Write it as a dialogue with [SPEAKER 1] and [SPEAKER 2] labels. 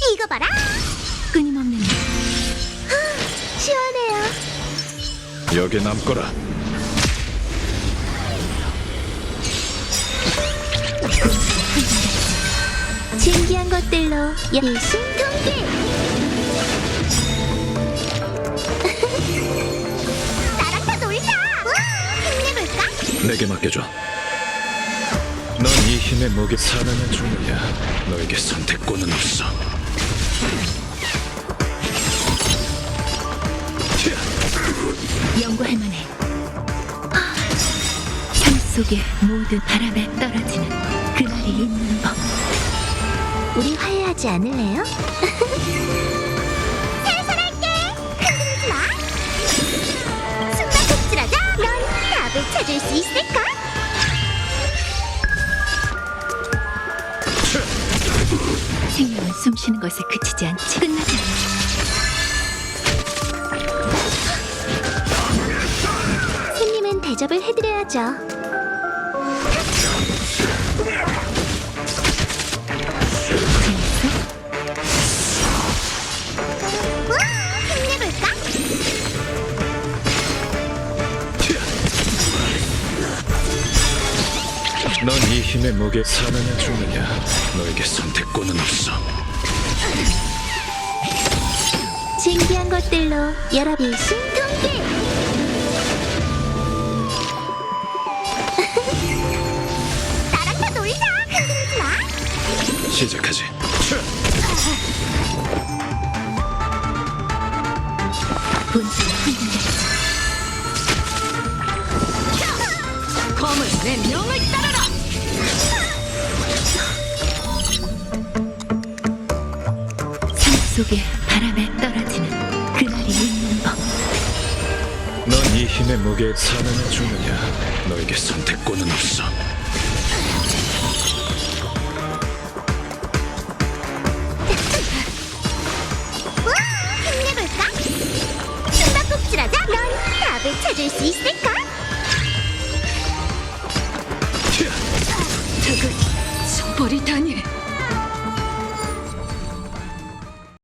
[SPEAKER 1] 이거 봐라.
[SPEAKER 2] 끊임없는
[SPEAKER 1] 시원해요.
[SPEAKER 3] 여기 남거라.
[SPEAKER 1] 신기한 것들로 일심동기. 나랑 다 놀자. 힘내볼까?
[SPEAKER 3] 내게 맡겨줘. 넌 이 힘의 목에 사느냐 죽느냐. 너에게 선택권은 없어.
[SPEAKER 2] 연구할 만해. 삶 속의 모든 바람에 떨어지는 그날이 있는 법.
[SPEAKER 1] 우리 화해하지 않을래요? 살살할게. 흔들리지 마. 숨바꼭질하자. 넌 답을 찾을 수 있을까?
[SPEAKER 2] 생명은 숨쉬는 것에 그치지 않지. 끝나지 않아.
[SPEAKER 1] 손님은 대접을 해드려야죠.
[SPEAKER 2] 재밌어?
[SPEAKER 1] 우와, 힘내볼까?
[SPEAKER 3] 넌 이 힘의 목에 사느냐 죽느냐. 너에게 선택권은 없어.
[SPEAKER 1] 신기한 것들로 여러분 일심동기. 나랑 다 놀자. 흔들리지 마.
[SPEAKER 3] 시작하지.
[SPEAKER 2] 본질을 흔들리지. 검은 내 명을 따르라. 삶 속의 바람에 떨어지는 그날이 있는 법.
[SPEAKER 3] 넌 이 힘의 목에 사느냐 죽느냐. 너에게 선택권은 없어.
[SPEAKER 1] 우와, 힘내볼까? 숨바꼭질하자. 넌 답을 찾을 수 있을까?
[SPEAKER 2] 저걸 저버리다니.